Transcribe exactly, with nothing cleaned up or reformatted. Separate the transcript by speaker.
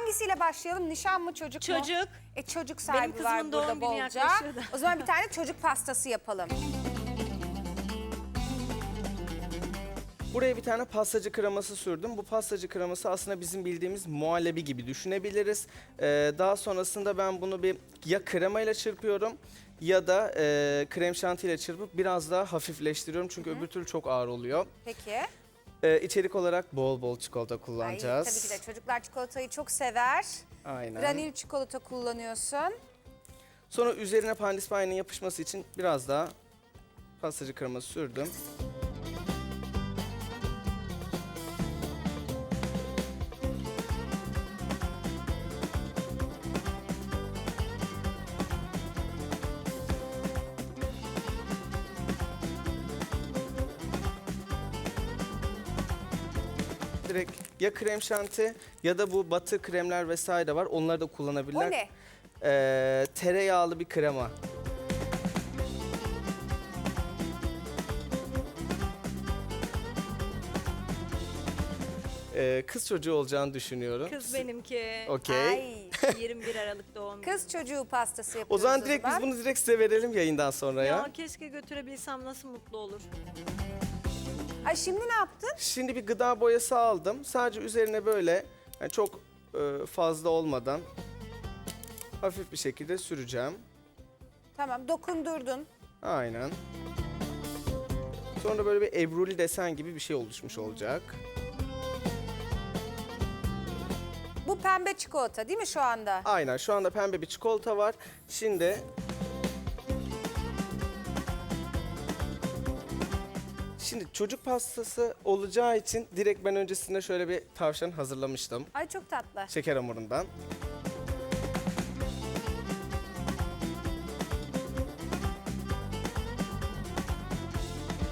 Speaker 1: Hangisiyle başlayalım? Nişan mı, çocuk mu?
Speaker 2: Çocuk.
Speaker 1: E çocuk
Speaker 2: Benim
Speaker 1: sahibi
Speaker 2: kızımın
Speaker 1: var
Speaker 2: doğum
Speaker 1: burada
Speaker 2: günü
Speaker 1: bolca.
Speaker 2: yaklaşıyor da.
Speaker 1: O zaman bir tane çocuk pastası yapalım.
Speaker 3: Buraya bir tane pastacı kreması sürdüm. Bu pastacı kreması aslında bizim bildiğimiz muhallebi gibi düşünebiliriz. Ee, daha sonrasında ben bunu bir ya kremayla çırpıyorum ya da e, krem şantiyle çırpıp biraz daha hafifleştiriyorum. Çünkü öbür türlü çok ağır oluyor.
Speaker 1: Peki.
Speaker 3: Ee, içerik olarak bol bol çikolata
Speaker 1: Ay,
Speaker 3: kullanacağız.
Speaker 1: tabii ki de çocuklar çikolatayı çok sever.
Speaker 3: Aynen.
Speaker 1: Granül çikolata kullanıyorsun.
Speaker 3: Sonra üzerine pandispanya'nın yapışması için biraz daha pastacı kreması sürdüm. Direkt ya krem şanti ya da bu batı kremler vesaire var. Onları da kullanabilirler.
Speaker 1: O ne?
Speaker 3: Ee, tereyağlı bir krema. Ee, kız çocuğu olacağını düşünüyorum.
Speaker 2: Kız benimki.
Speaker 3: Okey.
Speaker 1: Ay.
Speaker 2: yirmi bir Aralık doğum günü.
Speaker 1: Kız çocuğu pastası
Speaker 3: O
Speaker 1: yapıyoruz
Speaker 3: zaman direkt biz bunu direkt size verelim yayından sonra ya.
Speaker 2: Ya keşke götürebilsem, nasıl mutlu olur.
Speaker 1: Ay şimdi ne yaptın?
Speaker 3: Şimdi bir gıda boyası aldım. Sadece üzerine böyle yani çok e, fazla olmadan hafif bir şekilde süreceğim.
Speaker 1: Tamam, dokundurdun.
Speaker 3: Aynen. Sonra böyle bir ebruli desen gibi bir şey oluşmuş olacak.
Speaker 1: Bu pembe çikolata değil mi şu anda?
Speaker 3: Aynen, şu anda pembe bir çikolata var. Şimdi Şimdi çocuk pastası olacağı için direkt ben öncesinde şöyle bir tavşan hazırlamıştım.
Speaker 1: Ay çok tatlı.
Speaker 3: Şeker hamurundan.